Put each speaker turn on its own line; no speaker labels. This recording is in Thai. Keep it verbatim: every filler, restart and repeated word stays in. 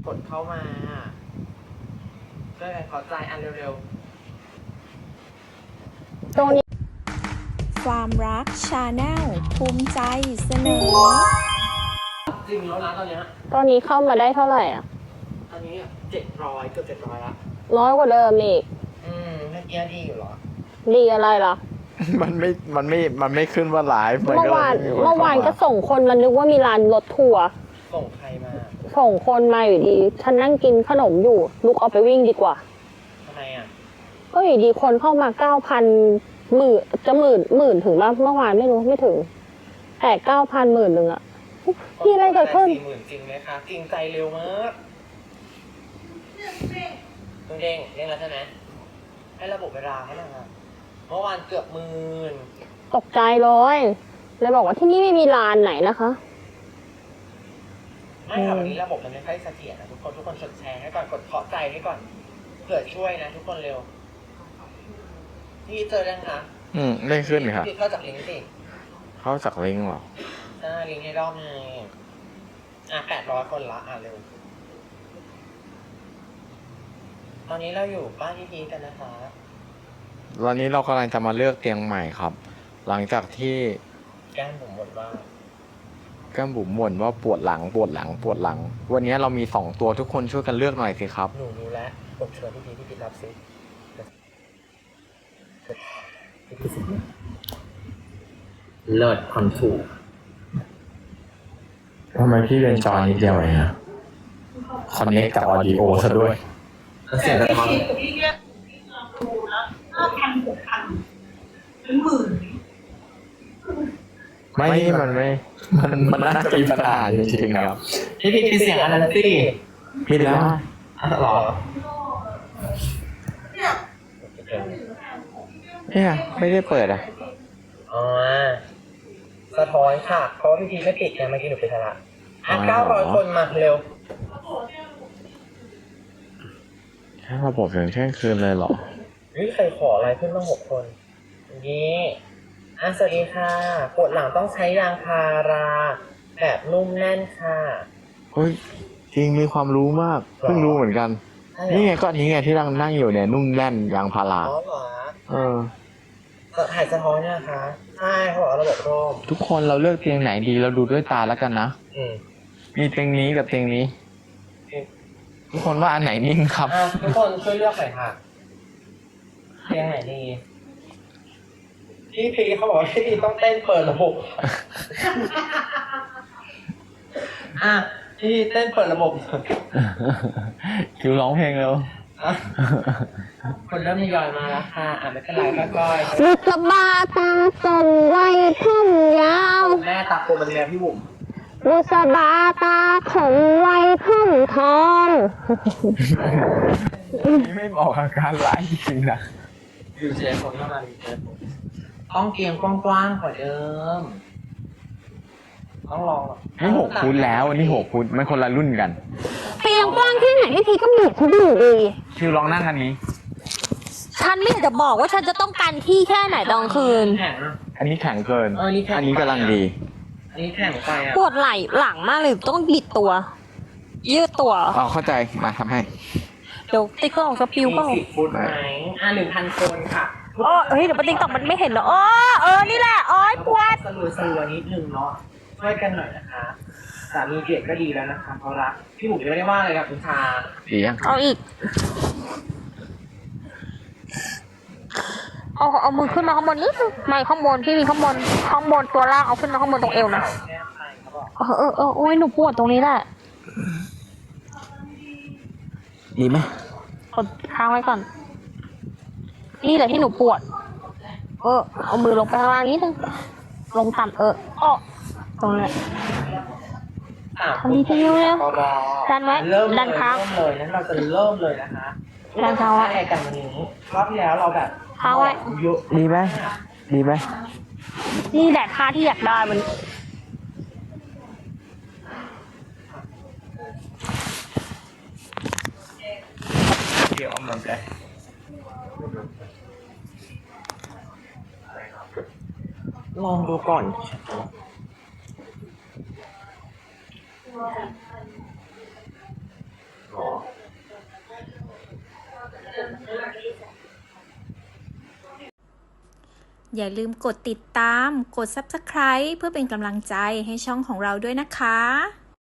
กดเข้ามาช่วยกันขอใจอันเร็ว
ๆตรงนี้ความรักชาแนลภูมิใจเสนอ
จริงแล้วนะตอนนี้
ตอนนี้เข้ามาได้เท่าไหร่อ่ะ
ตอนนี้เจ็ดร้อยเกือบเจ็ดร้อยละ
น้อยกว่าเดิมอีก
อืมเมื่อกี้ดีอยู่หรอ
ดีอะไรล่ะ
มันไม่มันไม่มันไม่ขึ้นว่าไลฟ์
เมื่อวานเมื่อวานก็ส่งคนมานึกว่ามีร้านรถทัวร์
ส่งใครมา
ส่งคนมาอยู่ดีฉันนั่งกินขนมอยู่ลุกออกไปวิ่งดีกว่า
ทำไมอ่ะ
ก็อยู่ดีคนเข้ามาเก้าพันหมื่นจะหมื่นหมื่นถึงบ้างเมื่อวานไม่รู้ไม่ถึงแต่เก้าพันหมื่นหนึ่งอะพี่อะไรเกิดขึ้น
สี่หมื่นจริงไหมคะจริงใจเร็วมากเด้งเด้งแล้วใช่ไหมให้ระบบเวลาให้หน่อยครับเมื่อวานเกือบหมื่น
ตกใจเลยเลยบอกว่าที่นี่ไม่มีร้านไหนนะคะ
ไม่ค่ะวันนี้ระบบมันไม่ค่อยเสถียรนะทุกคนทุกคนกดแชร์ให้ก่อนกดเคาะใจให้ก่อนเผื่อช่วยนะทุกคนเร็วพี่เจอยังคะ
อืมไม่ขึ้นค่ะ
พี่เข้าจากลิงก์สิ
เข้าจากลิงก์หรอ
ใช่ลิงก์ในรอบไงอ่ะแปดร้อยคนละอ่ะเร็วตอนนี้เราอยู่บ้านพี่พีกันนะคะ
ตอนนี้เรากำลังจะมาเลือกเตียงใหม่ครับหลังจากที่
แก้มผมบ่นว่า
แก้มบุ๋มบ่นว่าปวดหลังปวดหลังปวดหลังวันนี้เรามีสองตัวทุกคนช่วยกันเลือกหน่อยสิครับ
หนูรู้แล้วกดเชิญพี่พีพี่พีรับซิเลิศคอนถูก
ทำไมพี่เป็นจอนิดเดียวเองอะคอนเนคกับออดิโอซะด้วย
เสียงสะท้อน
ไม่มันไม่มันมันน่าจะมีปัญหาจริงๆครับ
พี่พี่พี่เสียงอะไรนะพี่
พี่แล้ว
หรอ
เนี่ยไม่ได้เปิดอ่ะ
อ๋อสะท้อนค่ะเพราะว่าพี่พีไม่ติดไงเมื่อกี้หนูไปทะละอ่ะเก้าร้อยคนมาเร็ว
แค่ระบบอย่างเที่ยงคืนเลยเหรอ
เฮ้ยใครขออะไรขึ้นมาหกคนอย่างนี้อ่ะสวัสดีค่ะปวดหลังต้องใช้ยางพาราแบบนุ่มแน่นค่ะ
เฮ้ยจริงมีความรู้มากเพิ่งรู้เหมือนกันนี่ไงก็นี้ไงที่นั่งนั่งอยู่เนี่ยนุ่มแน่นยางพารา
อ๋อเหรอ
เออ
ถ่ายสะท้อนเนี่ยคะใช่เขาบอกระบบร่ม
ทุกคนเราเลือกเตียงไหนดีเราดูด้วยตาแล้วกันนะ
อืม
มีเตียงนี้กับเตียงนี้ทุกคนว่าอันไหนนิ่งครับ
ทุกคนช่วยเลือกหน่อยค่ะเตียงไหนดีพี่พีเขาบอกว่าพี่พีต้องเต้นเปิดระบบอ่ะพี่เต้นเปิดระบบ
คิวร้องเพลงเร็ว
คนเริ่มทยอยมาแล้วค่ะอ่ะไม่เป็นไรค่อย
ๆลูกกระบาตาส่งไว้ผมยาว
แม่ตาโกมันแม่พี่บุ๋ม
ลูกกระบาตาของไว้ผมทอง
นี่ไม่บอกอาการไลฟ์จริงนะ
อยู่เฉยผมเข้ามาอยู่เฉยผมต้องเกียงกว้างๆกว่าเดิมต้องลอง
นี่หกฟุตแล้วนี่หกฟุตมันคนละรุ่นกัน
เตียงกว้างที่ไหนพี่พีก็บีบเขาอยู่ดี
คิวลองนั่งอันนี้
ฉันไม่อยากจะบอกว่าฉันจะต้องการที่แค่ไหนตอนคืน
อันนี้แข็งเกินอันนี้กำลังดี
อันนี้แข็งไปอ่ะ
ปวดไหล่หลังมากเลยต้องบิดตัวยืดตัว
อ๋อเข้าใจมาทำให้
เดี๋ยวติ๊กก็ออกสปิวก็
สิบฟุตไหมอ่ะหนึ่งพันคนค่ะ
อ๋อเฮ้ยเดี๋ยวติ๊กตอกมันไม่เห็นเหรออ๋อเออนี่แหละอ๋อปวด
สลัวสลัวนิดนึงเนาะช่วยกันหน่อยนะคะสามีเด็กก็ดีแล้วนะคะเพราะรักพี่หมูไม่ได้ว่าเลยครับคุณชา
ดียัง
เอาอีกเอาเอามือขึ้นมาข้างบนนิดนึงไม่ข้างบนพี่มีข้างบนข้างบนตัวล่างเอาขึ้นมาข้างบนตรงเอวนะเออเออเออโอ้ยหนูปวดตรงนี้แหละ
ดีไหม
กดค้างไว้ก่อนนี่แหละที่หนูปวดเออเอามือลงไปข้างล่างนิดนึงลงต่ำเอออ้อตรงนี้ทำดีที่นิ้วแล้วดันไว้ดันค้าง
เลยนั้นเราจะเริ่มเลยนะคะ
ดันค้างไว้
กันวันนี้รอบที่แล้วเราแบบ
ค้างไว้
ดีไหมดีไหม
นี่แหละท่าที่อยากได้มัน
เดี๋ยวเอามันไปลองดูก่อน
อย่าลืมกดติดตาม กด ซับสไครบ์ เพื่อเป็นกำลังใจให้ช่องของเราด้วยนะคะ